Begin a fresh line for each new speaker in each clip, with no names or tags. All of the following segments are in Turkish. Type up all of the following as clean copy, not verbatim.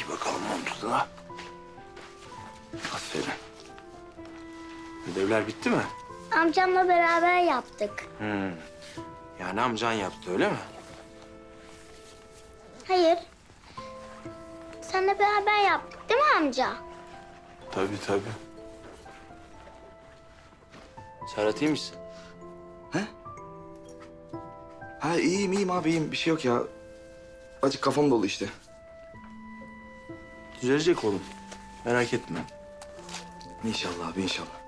Giy bakalım montunu da. Aferin. Ödevler bitti mi?
Amcamla beraber yaptık.
Yani amcan yaptı öyle mi?
Hayır. Seninle beraber yaptık değil mi amca?
Tabii. Serhat iyi misin?
Ha iyiyim abi iyiyim. Bir şey yok ya. Acık kafam dolu işte.
Düzelecek oğlum. Merak etme.
İnşallah abi inşallah.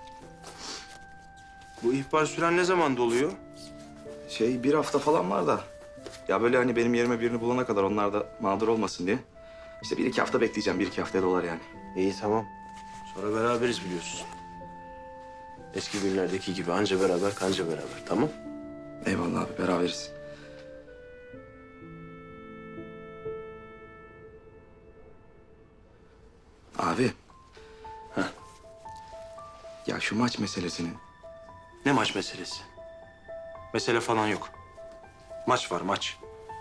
Bu ihbar süren ne zaman doluyor?
Bir hafta falan var da. Ya böyle hani benim yerime birini bulana kadar onlar da mağdur olmasın diye. İşte 1-2 hafta bekleyeceğim. 1-2 haftaya dolar yani.
İyi tamam. Sonra beraberiz biliyorsun. Eski günlerdeki gibi anca beraber kanca beraber tamam?
Eyvallah abi beraberiz. Abi.
Heh.
Ya şu maç meselesini.
Ne maç meselesi? Mesele falan yok. Maç var maç.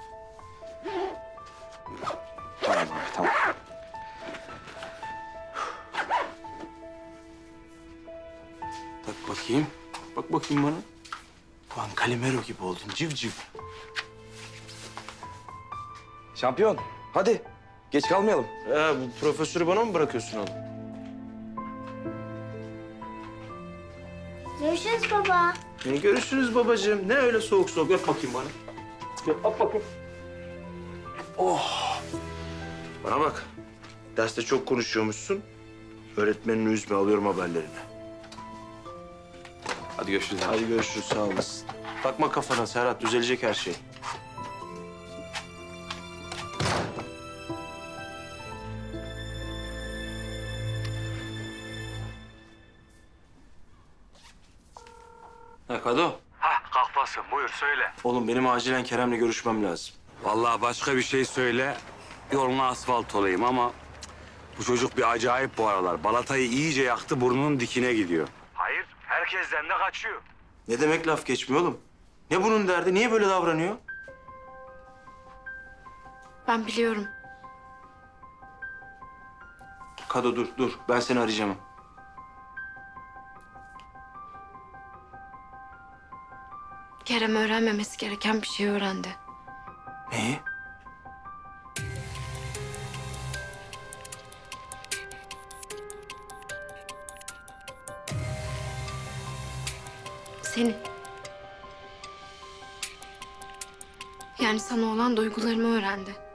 Tamam abi tamam.
Tak bakayım. Bak bakayım bana. Ulan Calimero gibi oldun civciv.
Şampiyon hadi. Geç kalmayalım.
Bu profesörü bana mı bırakıyorsun oğlum?
Görüşürüz baba.
Görüşürüz babacığım. Ne öyle soğuk soğuk. Öp bakayım bana. Öp bakayım. Oh. Bana bak. Derste çok konuşuyormuşsun. Öğretmenini üzme, alıyorum haberlerini.
Hadi görüşürüz abi.
Hadi görüşürüz, sağ olasın. Bakma kafana Serhat, düzelecek her şey. Kado.
Kalkmasın buyur söyle.
Oğlum benim acilen Kerem'le görüşmem lazım.
Vallahi başka bir şey söyle. Yoluna asfalt olayım ama bu çocuk bir acayip bu aralar. Balatayı iyice yaktı burnunun dikine gidiyor. Hayır herkesten de kaçıyor.
Ne demek laf geçmiyor oğlum? Ne bunun derdi? Niye böyle davranıyor?
Ben biliyorum.
Kado dur. Ben seni arayacağım.
Kerem öğrenmemesi gereken bir şey öğrendi.
Neyi?
Seni. Yani sana olan duygularımı öğrendi.